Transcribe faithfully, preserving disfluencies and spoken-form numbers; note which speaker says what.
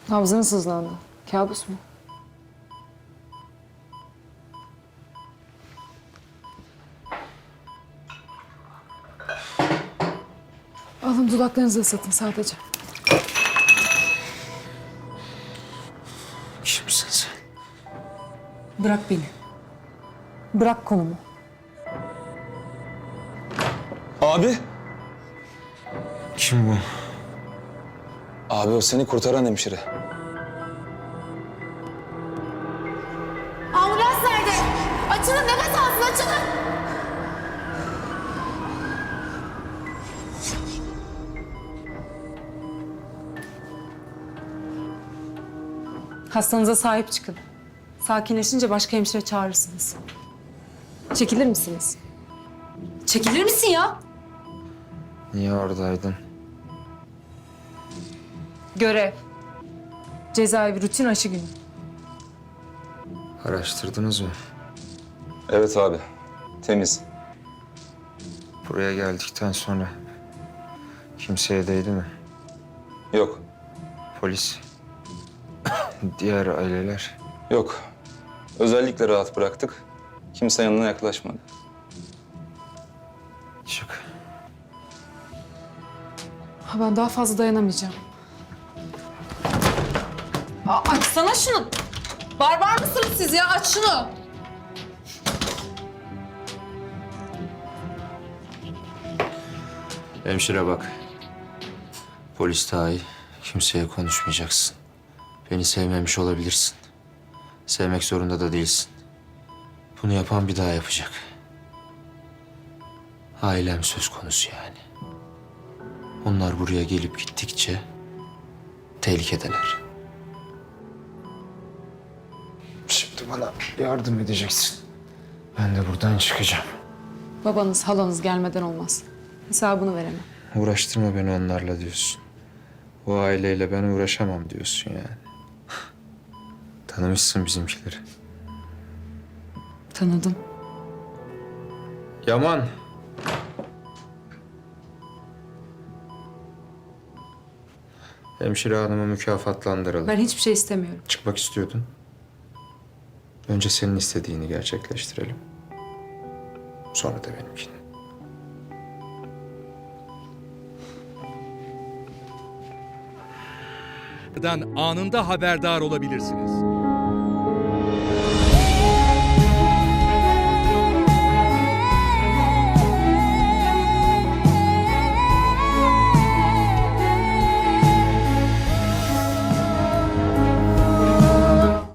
Speaker 1: Nabzın sızlandı. Kabus mu? Alın dudaklarınızı ıslatın sadece.
Speaker 2: Kimsin sen?
Speaker 1: Bırak beni. Bırak kolumu.
Speaker 3: Abi.
Speaker 2: Kim bu?
Speaker 3: Abi o seni kurtaran hemşire.
Speaker 4: Ambulans nerede? Açılın, nefes alsın, açılın.
Speaker 1: Hastanıza sahip çıkın. Sakinleşince başka hemşire çağırırsınız. Çekilir misiniz?
Speaker 4: Çekilir misin ya?
Speaker 2: Niye oradaydın?
Speaker 1: Görev. Cezaevi rutin aşı günü.
Speaker 2: Araştırdınız mı?
Speaker 3: Evet abi. Temiz.
Speaker 2: Buraya geldikten sonra kimseye değdi mi?
Speaker 3: Yok.
Speaker 2: Polis, diğer aileler.
Speaker 3: Yok. Özellikle rahat bıraktık. Kimse yanına yaklaşmadı.
Speaker 2: Çık.
Speaker 1: Ha, ben daha fazla dayanamayacağım.
Speaker 4: Aa, açsana şunu. Barbar mısınız siz ya? Aç şunu.
Speaker 2: Hemşire bak. Polis dahi kimseye konuşmayacaksın. Beni sevmemiş olabilirsin. Sevmek zorunda da değilsin. Bunu yapan bir daha yapacak. Ailem söz konusu yani. Onlar buraya gelip gittikçe tehlikedeler. Şimdi bana yardım edeceksin. Ben de buradan çıkacağım.
Speaker 1: Babanız, halanız gelmeden olmaz. Hesabını veremem.
Speaker 2: Uğraştırma beni onlarla diyorsun. O aileyle ben uğraşamam diyorsun yani. Tanımışsın bizimkileri.
Speaker 1: Tanıdım.
Speaker 2: Yaman. Hemşire hanımı mükafatlandıralım.
Speaker 1: Ben hiçbir şey istemiyorum.
Speaker 2: Çıkmak istiyordun. Önce senin istediğini gerçekleştirelim. Sonra da benimkini.
Speaker 5: anında haberdar olabilirsiniz.